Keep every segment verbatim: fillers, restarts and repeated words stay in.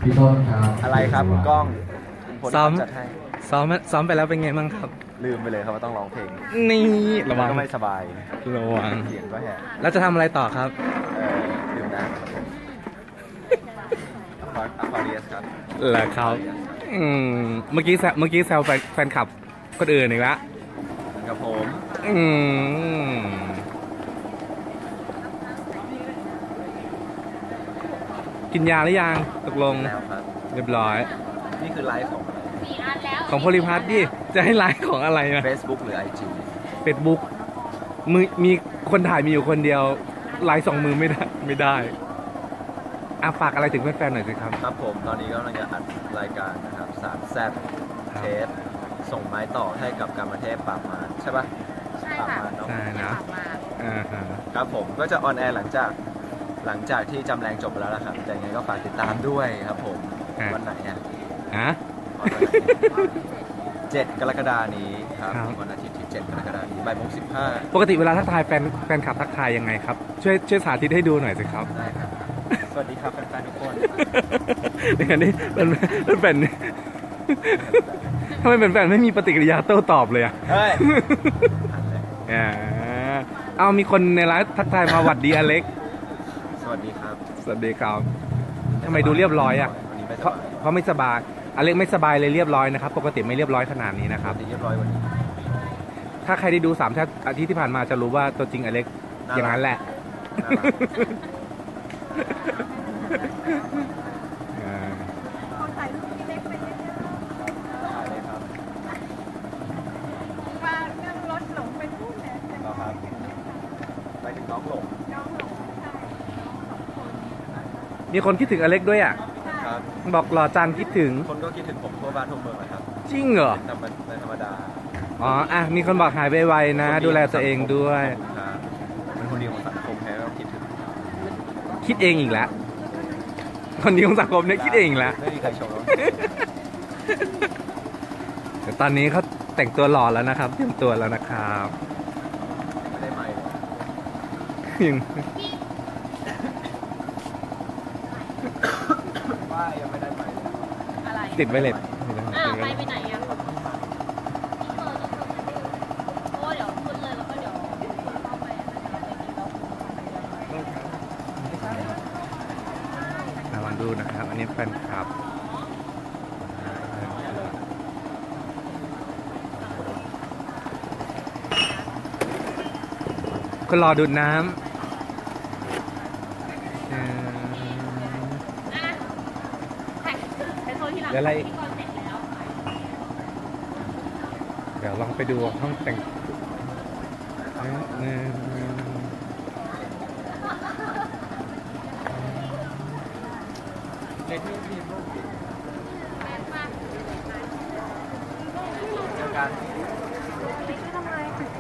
พี่ต้นครับอะไรครับคุณก้องซ้อมจัดให้ซ้อมซ้อมไปแล้วเป็นไงบ้างครับลืมไปเลยครับว่าต้องร้องเพลงนี่ระวังก็ไม่สบายระวังเสียงก็แหบแล้วจะทำอะไรต่อครับเออดื่มน้ำครับผมอะควาเรียสครับเหรอครับอืมเมื่อกี้แซวเมื่อกี้แซวแฟนแฟนคลับคนอื่นอีกแล้วกับผมอืมกินยาหรือยังตกลงแล้วครับเรียบร้อยนี่คือไลฟ์ของของโพลิพัทดิจะให้ไลฟ์ของอะไรนะ Facebook หรือ ไอ จีเฟซบุ๊กมือมีคนถ่ายมีอยู่คนเดียวไลฟ์สองมือไม่ได้ไม่ได้อาฝากอะไรถึงแฟนๆหน่อยสิครับครับผมตอนนี้ก็กำลังจะอัดรายการนะครับสามแซดเทปส่งไม้ต่อให้กับการประเทศปราบมารใช่ปะใช่ปราบค่ะมารเนาะใช่นะอ่าฮะครับผมก็จะออนแอร์หลังจากหลังจากที่จำแรงจบไปแล้วล่ะครับแต่ยังไงก็ฝากติดตามด้วยครับผมวันไหนอ่ะฮะเจ็ดกรกฎานี้ครับครับวันอาทิตย์ที่เจ็ดกรกฎานี้บ่ายโมงสิบห้าปกติเวลาทักทายแฟนแฟนคลับทักทายยังไงครับช่วยช่วยสาธิตให้ดูหน่อยสิครับได้ครับ สวัสดีครับแฟนๆทุกคนอย่างนี้เป็นเป็นเป็นทำไมเป็นแฟนไม่มีปฏิกิริยาโต้ตอบเลยอ่ะเฮ้ยอ่าเอามีคนในไลฟ์ทักทายมาหวัดดีอเล็กสวัสดีครับสวัสดีครับทำไมดูเรียบร้อยอ่ะวันนี้ไม่เพสราะบายเพราะไม่สบายอเล็กไม่สบายเลยเรียบร้อยนะครับปกติไม่เรียบร้อยขนาดนี้นะครับเรียบร้อยวันนี้ถ้าใครได้ดูสามอาทิตย์ที่ผ่านมาจะรู้ว่าตัวจริงอเล็กอย่างนั้นแหละน่ารักอ่าคนถ่ายรูปพี่เล็กไปเยอะถ่ายเลยครับๆว่าเรื่องรถหลงไปพูดเนี่ยรอครับไปถึงน้องหลงน้องหลงใช่น้องสองคนมีคนคิดถึงอเล็กด้วยอ่ะครับบอกหล่อจันคิดถึงคนก็คิดถึงผมทั่วบ้านทั่วเมืองนะครับจริงเหรอธรรมดาธรรมดาอ๋ออ่ะมีคนบอกหายไวๆนะ ดูแลตัวเองด้วยขอบคุณครับเป็นคนดีของสังคมแท้ก็คิดถึงคิดเองอีกแล้วคนดีของสังคมเนี่ยคิดเองอีกแล้วไม่มีใครชมแล้วแต่ตอนนี้เขาแต่งตัวหล่อแล้วนะครับเตรียมตัวแล้วนะครับไม่ได้ใหม่ยังป้ายยังไม่ได้ใหม่อะไรติดไวเลสอ้าวไปไปไหนอ่ะโอ้เดี๋ยวขึ้นเลยแล้วก็เดี๋ยวเข้าไปนะคะไปกินแล้วระวังดูนะครับ อันนี้แฟนคลับคนรอดูดน้ำเอ่ออ่ะถ่ายไปโซนที่หลังเดี๋ยวอะไรที่ก่อนเสร็จแล้วเดี๋ยวลองไปดูห้องแต่งเอ่อเอ่อเด็กนี่มีรูปแม่มากเจอกันทำไม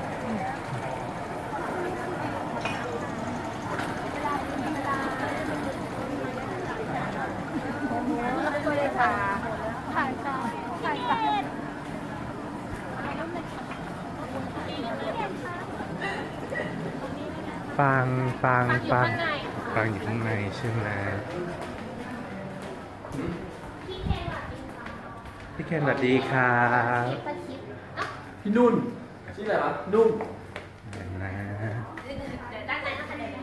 ถ่ายถ่ายต่อถ่ายต่อฟังฟังฟังอยู่ฟังข้างในค่ะฟังอยู่ข้างในใช่ไหมพี่เคนสวัสดีครับพี่นุ่นชื่ออะไรวะนุ่มเดี๋ยวนะเดี๋ยวด้านในนะคะเดี๋ยว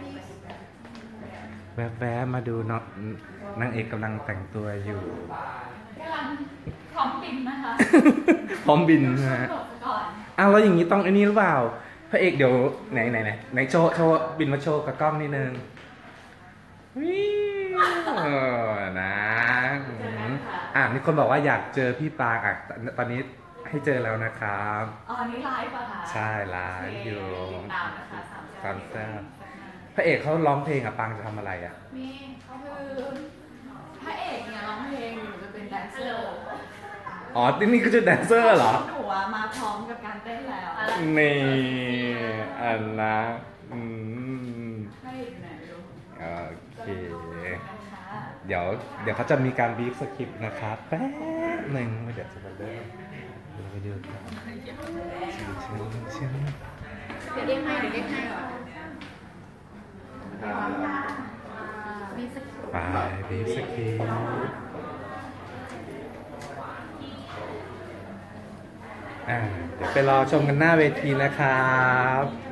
แวบๆมาดูเนาะนางเอกกำลังแต่งตัวอยู่กำลังพร้อมบินนะคะพร้อมบินนะฮะจบก่อนอ้าวแล้วอย่างนี้ต้องไอ้นี่หรือเปล่าพระเอกเดี๋ยวไหนไหนไหนไหนโชว์โชว์บินมาโชว์กับกล้องนิดนึงวิวเออนะอืมอ่ะมีคนบอกว่าอยากเจอพี่ปางอ่ะตอนนี้ให้เจอแล้วนะครับอ๋อนี่ไลฟ์ป่ะคะใช่ไลฟ์อยู่ติดตามนะคะสามสามแซ่บ พระเอกเขาร้องเพลงอ่ะปางจะทำอะไรอ่ะนี่เขาคือพระเอกเนี่ยร้องเพลงหนูจะเป็นแดนเซอร์อ๋อนี่คือจะแดนเซอร์เหรอหนูอะมาพร้อมกับการเต้นแล้วนี่อันนะอืมพระเอกอยู่ไหนไม่รู้โอเคนะคะเดี๋ยวเดี๋ยวเขาจะมีการบีฟสคริปต์นะครับแป๊บหนึ่งเดี๋ยวจะมาเริ่มดูไปดูกันชิมชิมชิมเดี๋ยวเรียกให้เดี๋ยวเรียกให้ก่อนครับมีพี่สกไปบีฟสกีอ่าเดี๋ยวไปรอชมกันหน้าเวทีนะครับ